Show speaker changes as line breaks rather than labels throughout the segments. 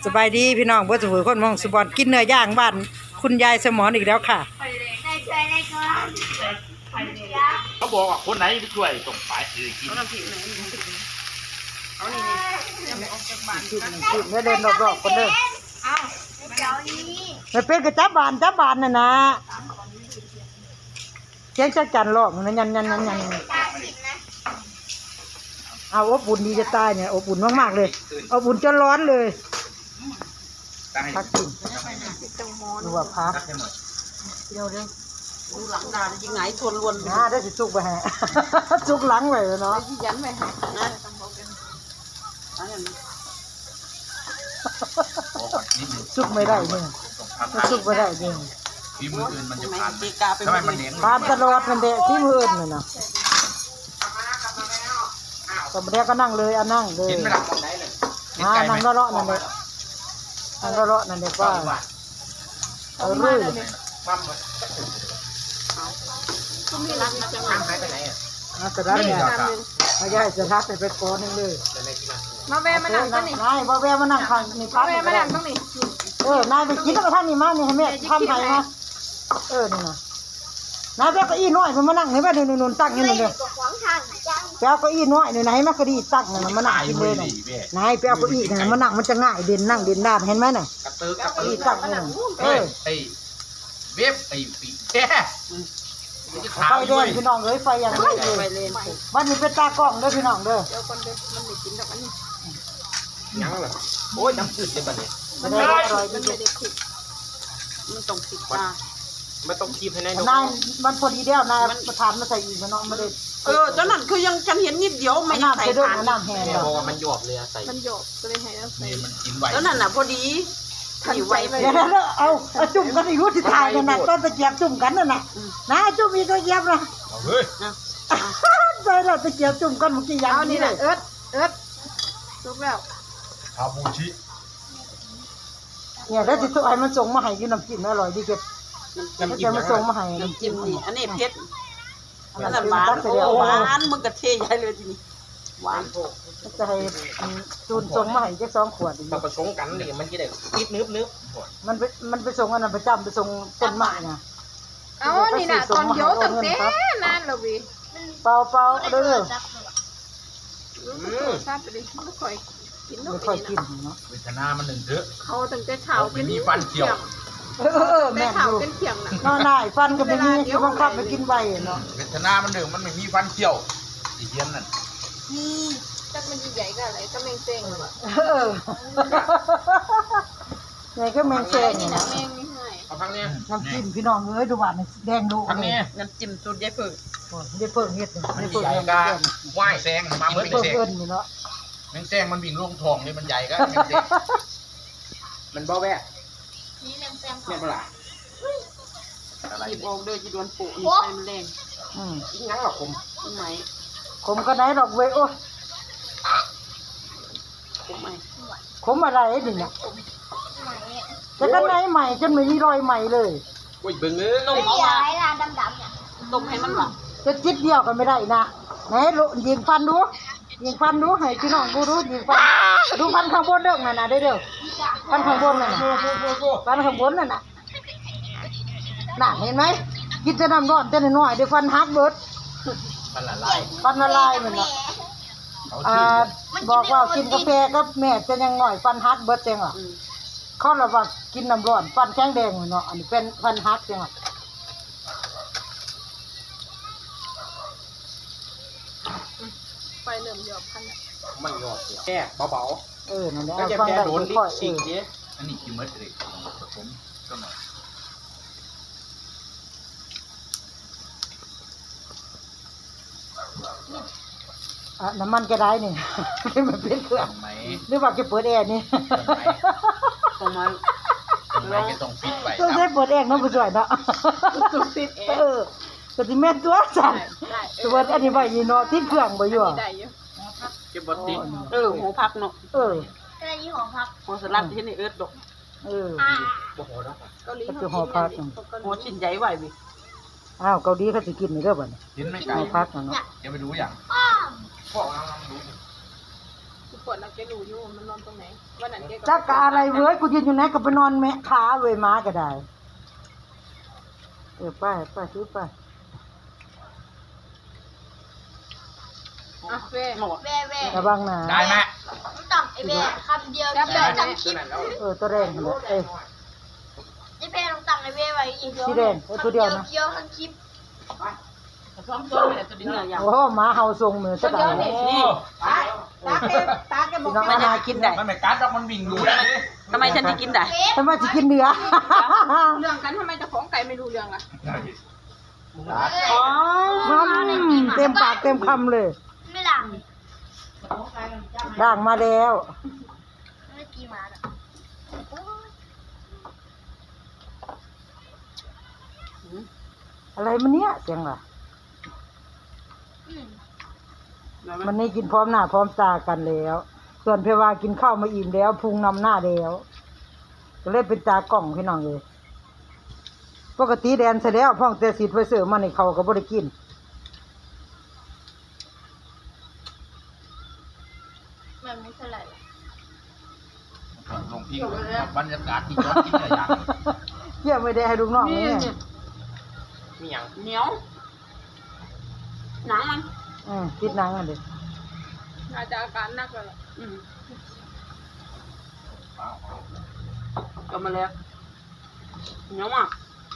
สบายดีพี่น้องเพื่อถือคนมองสุบอนกินเนื้อย่างบ้านคุณยายสมอนอีกแล้วค่ะ
เขาบอกว่าคนไหนไปช่วยส่งไปกิน
กินเดินรอบๆคนเดินไม่เป็นกระจับบานน่ะนะเจ๊งจักจันหลอกนั่นยันเอาอบอุ่นดีจะตายเนี่ยอบอุ่นมากๆเลยอบอุ่นจนร้อนเลยพักกินดูว่าพักเดี๋ยว
ดูหลังดาจะไงทวนล้วน
ได้สิจุกไปฮะจุกหลังไว้เนาะ
ยันไปฮะนะ
จุกไม่ได้เนี่ยจุกไม่ได้เนี่ย
ที่มืออื่นมันจะผ่านทำไมมันเลี้ยง
ผ่านตลอดมันเดะที่มืออื่นเลยนะตอนเด็กก็นั่งเลยนั่งเลย
เห็นไหมล่ะ
นั่งเลาะนั่นเลยนั่งเลาะนั่นเลยว่าเรื่อย
ก็มีรักนะจะมาไปไหนอ่ะ
จะรักเนี่ยไม่ใช่จะรักไปก้อนนึงเลย
มาแวมานั่งกันนี่
นายมาแวมานั่งข้างนี่พัก
มานั่งตรงนี้
นายไปกินแล้วก็ท่านนี่มานี่ให้แม่ทำไงมานี่นะนายแวก็อีน้อยมันมานั่งให้แม่นุ่นตั้งนี่เลยแปลก็อีน้อยนี่นะให้แม่ก็ดีตั้งนี่มานั่งกินเลยนายแปลก็อีนี่มานั่งมันจะง่ายเด่นนั่งเด่นด้านเห็นไหมน่ะ
กระตือ
ตั้งนี่
ไอ้เว็บไอ้ปีแค่
ไฟแดงพี่น้องเลยไฟยังไม่เลยมันมีเป็นตากล้องด้วยพี่น้องเด้อ
เดี๋ยวคนเด้อมันไม่กินดอกอันนี้
ยังเหรอโอ้ยน้ำจืดเลยบัดนี้
มันไม่ได้คิดมันต้องคิดว่า
ไม่ต้องคีบให้แน่
นายมันพอดีเดียวนายประธานมาใส่อีกมันเนาะไม่ได้
ตอนนั้นคือยังฉันเห็นนิดเดียวไม่
ใส่ทานน้ำแห้ง
เพราะว่ามันหยอบเลยใส่
มันหยอบก็เลยให้แล้วใส่
มันกินไหว
แล้วนั่นน่ะพอดีทันไวไป
แล้วเอาจุ่มกันอีกรู้ที่ถ่ายนั่นน่ะต้นตะเกียบจุ่มกันนั่นน่ะนะจุ่มอีกตะเกียบนะ
เฮ้ย
ใส่เราตะเกียบจุ่มกันเมื่อกี้ยัง
นี่แหละเอิร์ดลุกแล้ว
คาบูชิ
เนี่ยได้ติดตัวไอ้มันส่งมาให้กินน้ำจิ้มอร่อยดีเก็บน้ำจิ้มมันส่งมาให้
น้ำจิ้มนี่อันนี้เผ็ดอันนั้นหวานมึงกระเทยใหญ่เลยทีนี้หวาน
จะให้จูนส่งมาให้แค่2 ขวด
มาผสมกันนี่มันจะได้นิดนึบ
มันไปส่งอันนั้นประจำไปส่งต้นไม้น่ะ
นี่น่ะตอนเยอะตั้งแต่นานแล้ววิ
เปล่าเด้อ
ทราบไปดิไม่ค่อยกิน
ไม่ค่อยกินเนาะ
เวทนามันหนึ่งเถอะ
เขาตั้งแต่เช้า
เป็นมีฟันเขียว
แม่
ดูเป็นเขียงน่ะ
นอนได้ฟันก็ไม่มีคือบังคับไปกินใบเนาะ
เวทนามันหนึ่งมันไม่มีฟันเขียวอีเทียนนั่น
นี่จักมันใหญ่ก็อะไรก็แมงเซ็ง
ไงก็แมงเซ็ง
นี่นะแมงนี่ให้
เอาพังเนี่ย
น้ำจิ้มพี่น้องเอ้ยดูหวานแดงดู
พังเนี่ย
น้ำจิ้มสูตรยายเพิ่ง
ได้เพิ่งเฮ็ดได้เพิ่งเฮ็ด
ว่ายแซงมาเหมือนแซง
เนาะ
แมงแซงมันวิ่งลงทองนี่มันใหญ่ก็มันเบาแวะ
นี่แมงแซง
เนี่ยเปล่า
อะไรหยิบออกเลยจีดวนปูนี่ไปมันแรง
งั้นหรอคม
ไหม
ขมก็ไหนดอกเว้ยโอ้
ขมไหม
ขมอะไรดิเนี่ยจะกันไหนใหม่จนไม่มีรอยใหม่เลย
โอ้ยเบิ่งเลย
ต้มเอามาดำๆเนี่ยต้มให้มันหวาน
จะจิตเดียวกันไม่ได้นะไหนยิงฟันดูให้พี่น้องดูยิงฟันดูฟันข้างบนเด้อนั่นน่ะเด้อฟันข้างบนนั่นน่ะฟันข้างบนนั่นน่ะน่ะเห็นไหมกินจะน้ำร้อนแต่น้อยเดี๋ยวฟันหักเบิด
ฟันละลาย
เหมือนกันบอกว่ากินกาแฟกับแม่จะยังหน่อยฟันหักเบิดจังอ่ะเขาเราว่ากินน้ำร้อนฟันแข็งแดงเนาะอันนี้เป็นฟันหักจังอ่ะ
ไฟเริ่มหยอบพัน
มันหยอบแค่เบา
ๆนั่นแหละ
ก็จะแค่โดนลิ้นฉีกดิอันนี้กินเมื่อไหร่ผมก็หน่อย
น้ำมันก็ได้นี่มันเป็นเครื่องหรือว่าจะเปิดแอร์นี่
ประมาณ
จะต้องปิดไป
ต้องใช้เปิดแอร์น้องผู้ช่วยเนาะ
ต้องปิดแอร์
ก็สิแม่นตัวสั่นตัวอันนี้ไว้ยีเนาะติดเครื่องบ่อยู่
เก็บบ่ติด
หัวพักเนาะ
ก็
ได้ยี่ห้อพักหัวสลัดที่นี่ดอก
บ่พอแล้ว
เกาหลี
คือห่อพัก
หัวชิ้นใหญ่ไหวบิ
อ้าวเกาหลีเขาสิกินนี่เด้อบัดนี้
กินไม่ไกล
พักเนาะ
จะไปดูอย่างพ่อลองดู
ขวดเราจะรู้อยู่มันนอนตรงไหนวันนั้นแก
จักกะอะไรเว้ยกูยืนอยู่ไหนก็ไปนอนแมะขาเว้ยม้าก็ได้ไปซื้อไป
อ่ะเว้
หมด
แว่แว่
ระวังนะ
ได้ไหม
ต้องต่ำไอ้แว่คำเดียวเดียวจำคลิป
ตัวแรงเลยเอ้ย
ไอ้แว่ต้องต่ำไอ้แว่ไว้อีก
สีแดงตัวเดียวนะ
เดียวทั้งคลิป
ซ้อมตัวเลยตัวนี้เนี่ย
โอ้หมาเห่าทรงมือจะได้
นี่
ตาแกบอกว่านากินได้
มันไม่กัดหรอกมันวิ่งดูได้เลย
ทำไมฉันจะกินได้
ทำไมจะกินเนื้อ
เรื่องกันทำไมเจะของไก่ไม่รู้เรื่องล่ะ
อ๋อ
เต็มปากเต็มคำเลย
ไม่หลัง
ด่างมาแล้ว
ไม่ตีหมาหรอก
อะไรมันเนี้ยเสียงล่ะ
อืม
มันนี่กินพร้อมหน้าพร้อมตากันแล้ว ส่วนเพวากินข้าวมาอิ่มแล้วพุงนำหน้าแล้วก็เลยเป็นตากล่องพี่น้องเลยปกติแดนเสร็จแล้วพ่องแต่สีไฟเสือมาในเขาก็บ่ได้กิน
มันไม่เท่าไหร่หรอก
ลงพิงบรรยากาศที่ยอดกินอะไรอย่าง
เยี่ยไม่ได้ให้ลูกน้องเลยเนี่ย
มีอย่าง
เหนียวหนังมัน
ติดหนังอ่ะเด็ก
น่าจะอาการหนักแล้วล่ะ
ก็มาแล้วเหนียวมาก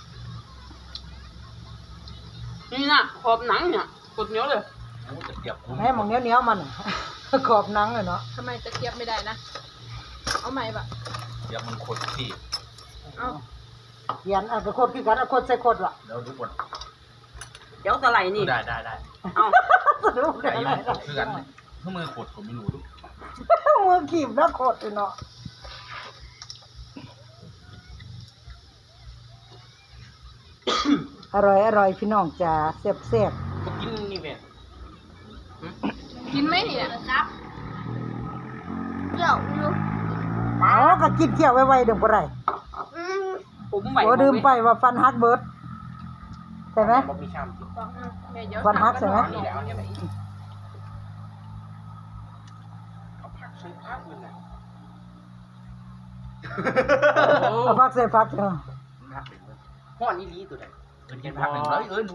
นี่นะขอบหนังเนี่ยกดเหนียวเลย
จะเปียกคุ้ม
ให้หมองเหนี้ยวๆมันน่ะ ขอบหนังเลยเนาะ
ทำไมจะเทียบไม่ได้นะเอาใหม่ปะ
เปียกมันขดที่
เอา
เขียนอ่ะก็โคตรคือกันอ่ะโคตรใส่โคตรว่ะ
แล้วดูบท
เดี๋ยวสไลด์นี่
ได้
เอ้า
สนุก
ไก่
เลย
มันขดคือกันถ้ามือขดผมไม่รู้ดู
มือขีบแล้วโคตรเลยเนาะอร่อยพี่น้องจ้าแซ่บ
ก็กินนี่แบบ
กินไหมเนี่ย
ครับเดี๋ยวดู
ๆอ๋อก็กินเที่ยวไว้ๆเดี๋ยวบ่ได้
อืม
ผมไหว
โอ้ดื่มไปว่าฟันฮักเบิดใช่ไหม
บ่มีช่ำ
แม่เดี๋ยว
วันพักใช่ไหม
นี่แล้วเนี่ยไปอีก
เอาผักใส่ผักเลยนะ
เอาพักใส่พักเนาะ
ผักเป็นเลย
ห้อนนี่ลีตัวไหน
กินผักหนึ่งเลยหนู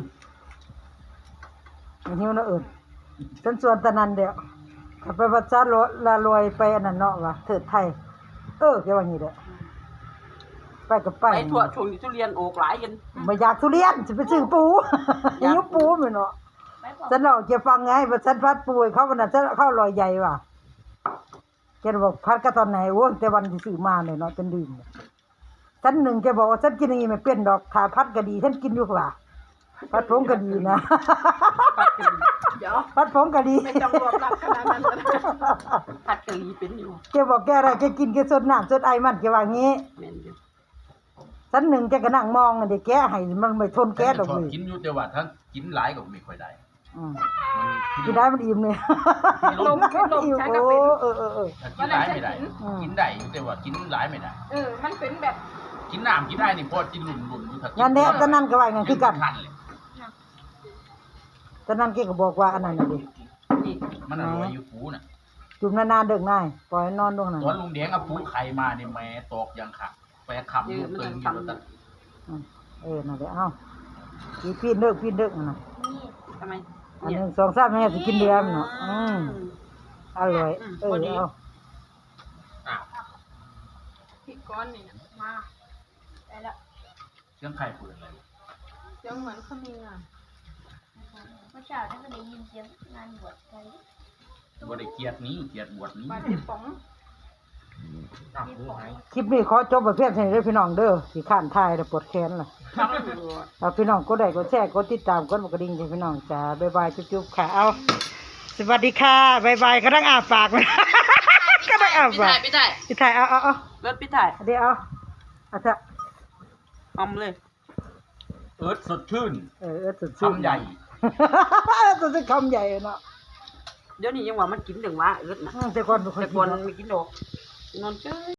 มันหิวเนาะเอิ้นฉันชวนตะนันเดียวขับไปวัดซาลารวยไปอันนั้นเนาะว่ะเถิดไทยแกว่างี้เด้อไปกับไป
ไปทั่วชงทุเรียนโอกหลายกัน
ไม่อยากทุเรียนจะไปซื้อปูหิวปูแม่เนาะฉันเล่าแกฟังไงว่าฉันพัดปูให้เขาวันนั้นฉันเข้าลอยใหญ่ว่ะแกบอกพัดก็ตอนไหนโว้ยแต่วันที่ซื้อมาเนี่ยเนาะจนดื่มฉันหนึ่งแกบอกว่าฉันกินอย่างนี้ไม่เป็นดอกถ้าพัดก็ดีฉันกินอยู่ว่ะพัดผงก็ดีนะ
เดี๋ยว
พัดผงก็ดี
ไม่ต้องรวบรัดขนาดนั้นก็ได้
ผัดกะหรี่เป็นอยู่
แกบอกแกอะไรแกกินแกสดน้ำสดไอมันแกว่างี้
แม่นอยู่
ฉันหนึ่งแกก็นั่งมองอันเด็กแกให้มันไม่ทนแกดอก
ชอบ
เลย
กินอยู่แต่ว่าถ้ากินหลายก็ไม่ค่อยได้
อืม
มัน
กินได้มันอิ่มเลย
ลมขึ้นลม
อิ่ม
ใช้
โอ้
ก็เป็น
ถ้ากินหลายไม่ได้ กินได้อยู่แต่ว่ากินหลายไม่ได้
มันเป็นแบบ
กินน้ำกินได้นี่พอกินหลุ่นอยู่ถ้ากิ
งั้นเนี่ยตอนนั้นก็ว่างั้นคือกัน
ทันเลย
ตอนนั้นแกก็บอกว่าอันนั้นน่ะดิ
นี่
มันอร่อยอยู่ปูน่ะ
จุ่มนานๆเด็กนายปล่อยนอนดวงนั้น
ตอนลุงแดงเอาปูไข่มาเนี่ยแม่ตอกยังค่ะไปขำลูกตึงอยู่แล้วแต่
นั่นแหละเอ้าพี่เด้อนั่นน่ะ
ทำไม
อันหนึ่งสองสามแม่สิกินเดือนเนาะอร่อยเอา
อ้าว
พริกก้อนนี่นะมาได้แล้ว
เสียงไข่เปิดเลย
เสียงเหมือนเขามีงาน
เมื่อเช้าได้ก็ได้ยินเสียงงานบวชไป
บ่ได้เกลียดนี้เกลียดบวชนี้
บาดเจ็บป๋อง
อ้าวหาย
คลิปนี้ขอจบประเภทนี้เด้อพี่น้องเด้อสิข้านทายแล้วปวดแขนล่ะ
ทำให้ดู
เอาพี่น้องกดไลค์กดแชร์กดติดตามกดกระดิ่งให้พี่น้องจ้าบ๊ายบายจุ๊บๆค่ะเอาสวัสดีค่ะบ๊ายบายกำลังอาปากเลย กำลังอา
พี่
ปา
ถ่าก ยพี่ถ่าย
พี่ถ่ายเอา
รถพี่ถ่าย
เดี๋ยวเอาเถอะ
อมเลย
เอิร์ธสดชื่น
สุด
คำใหญ่
สุดคำใหญ่เนาะ
เดี๋ยวนี้ยังว่ามันกินถึงว่าเอิร์ดนะ
แต่ก่อน
แต่ก่อนไม่กินดอกนอนเฉย